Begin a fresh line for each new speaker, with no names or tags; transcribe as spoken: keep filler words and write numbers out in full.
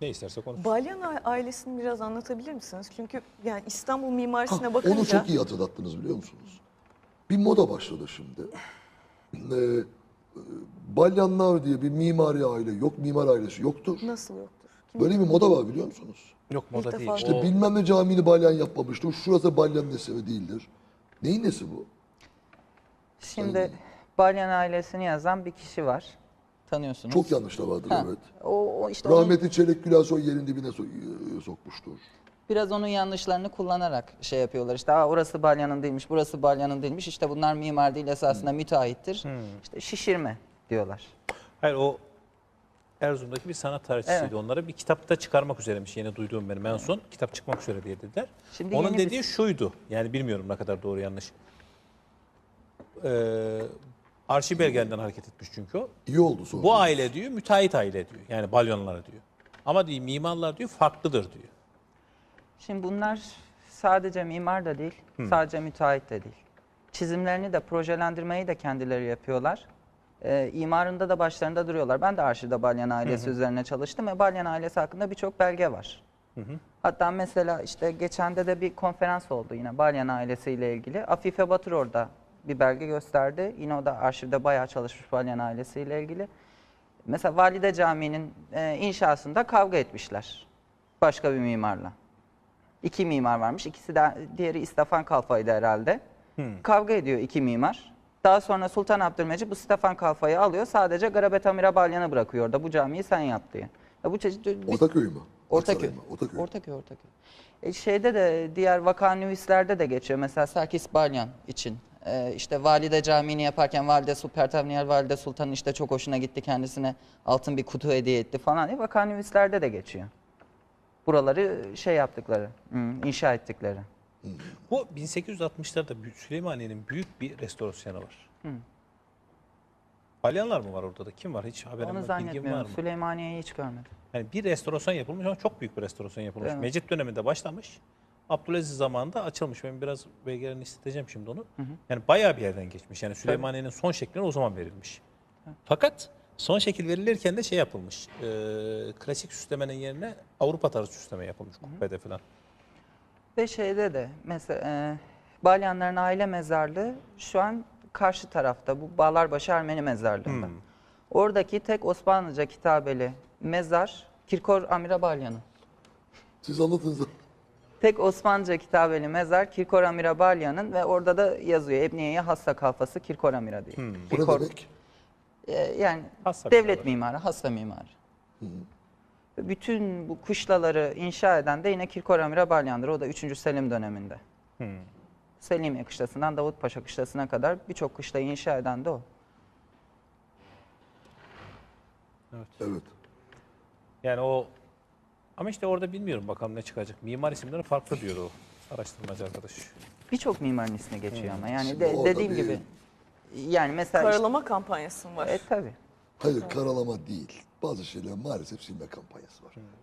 Ne isterse konuş.
Balyan a- ailesini biraz anlatabilir misiniz? Çünkü yani İstanbul mimarisine
Ha,
bakınca...
onu çok iyi hatırlattınız biliyor musunuz? Bir moda başladı şimdi. Ee, e, Balyanlar diye bir mimari aile yok, mimar ailesi yoktur.
Nasıl yoktur? Kim
Böyle bir moda var biliyor musunuz?
Yok moda
İlk
değil.
defa
İşte
O-
bilmem ne camini balyan yapmamıştır, şurası balyanın eseri değildir. Neyin nesi bu?
Şimdi Balyan ailesini yazan bir kişi var. Tanıyorsunuz.
Çok yanlış da vardır
Ha,
evet.
O, o işte onun-
Rahmetli Çelik Gülasoy yerin dibine so- e, sokmuştur.
biraz onun yanlışlarını kullanarak şey yapıyorlar. İşte Aa, orası Balyan'ın değilmiş, burası Balyan'ın değilmiş. İşte bunlar mimar değil, esasında müteahhittir. İşte şişirme diyorlar.
Hayır o Erzurum'daki bir sanat tarihçisiydi.
Evet.
Onları bir kitapta çıkarmak üzereymiş. Yeni duyduğum benim en son. Kitap çıkmak üzere diye dediler.
Şimdi
Onun
yeni bir-
dediği şuydu. Yani bilmiyorum ne kadar doğru yanlış. Ee, arşiv belgelerinden hareket etmiş çünkü o.
İyi oldu sonra.
Bu aile diyor müteahhit aile diyor. Yani Balyonlar diyor. Ama diyor mimarlar diyor farklıdır diyor.
Şimdi bunlar sadece mimar da değil, sadece müteahhit de değil. Çizimlerini de, projelendirmeyi de kendileri yapıyorlar. Ee, imarında da başlarında duruyorlar. Ben de arşivde Balyan ailesi üzerine çalıştım ve Balyan ailesi hakkında birçok belge var. Hatta mesela işte geçende de bir konferans oldu yine Balyan ailesiyle ilgili. Afife Batur orada bir belge gösterdi. Yine o da arşivde bayağı çalışmış Balyan ailesiyle ilgili. Mesela Valide Camii'nin e, inşasında kavga etmişler başka bir mimarla. İki mimar varmış. İkisi de diğeri İstefan Kalfa'ydı herhalde. Kavga ediyor iki mimar. Daha sonra Sultan Abdülmecid bu Stefan Kalfa'yı alıyor. Sadece Garabet Amira Balyan'ı bırakıyor orada. Bu camiyi sen yap diye. Ya bu çeşit bir-
Ortaköy mü?
Ortaköy.
Aksaray mı? Ortaköy.
Ortaköy, Ortaköy. E şeyde de diğer vakanüvislerde de geçiyor. Mesela Serkis Balyan için. E işte Valide Camii'ni yaparken Valide Supertavniyel Valide Sultan'ın işte çok hoşuna gitti. Kendisine altın bir kutu hediye etti falan diye vakanüvislerde de geçiyor. Buraları şey yaptıkları, hmm, inşa ettikleri.
Bu bin sekiz yüz altmışlarda Büyük- Süleymaniye'nin büyük bir restorasyonu var. Balyanlar mı var orada da? Kim var? Hiç haberim
Onu
var, bilgim var
zannetmiyorum.
mı?
Süleymaniye'yi hiç görmedim.
Yani bir restorasyon yapılmış ama çok büyük bir restorasyon yapılmış.
Evet.
Mecit döneminde başlamış. Abdülaziz zamanında açılmış. Ben biraz belgelerini isteyeceğim şimdi onu. Yani bayağı bir yerden geçmiş. Yani Süleymaniye'nin son şekline o zaman verilmiş. Fakat son şekil verilirken de şey yapılmış. E, klasik süslemenin yerine Avrupa tarzı süsleme yapılmış kubbede falan.
Ve şeyde de mesela e, Balyanların aile mezarlığı şu an karşı tarafta bu Bağlarbaşı Ermeni mezarlığında. Oradaki tek Osmanlıca kitabeli mezar Kirkor Amira Balyan'ın.
Siz anlatınız da.
Tek Osmanlıca kitabeli mezar Kirkor Amira Balyan'ın ve orada da yazıyor Ebniye'ye hassa kalfası Kirkor Amira diye.
Bu ne
Kirkor-
demek?
E, yani
Hassa
devlet
mimarı.
mimarı, hassa mimarı. Ve bütün bu kışlaları inşa eden de yine Kirkor Amira Balyan'dır. O da üçüncü Selim döneminde. Selimiye kışlasından Davutpaşa kışlasına kadar birçok kışlayı inşa eden de o.
Evet.
Yani o ama işte orada bilmiyorum bakalım ne çıkacak. Mimar isimleri farklı diyor o araştırmacı arkadaş.
Birçok mimarın ismi geçiyor ama yani
Şimdi
de-
orada
dediğim
bir-
gibi yani mesela işte,
Karalama kampanyası mı var?
e tabii.
Hayır karalama değil. Bazı şeyler maalesef silme kampanyası var.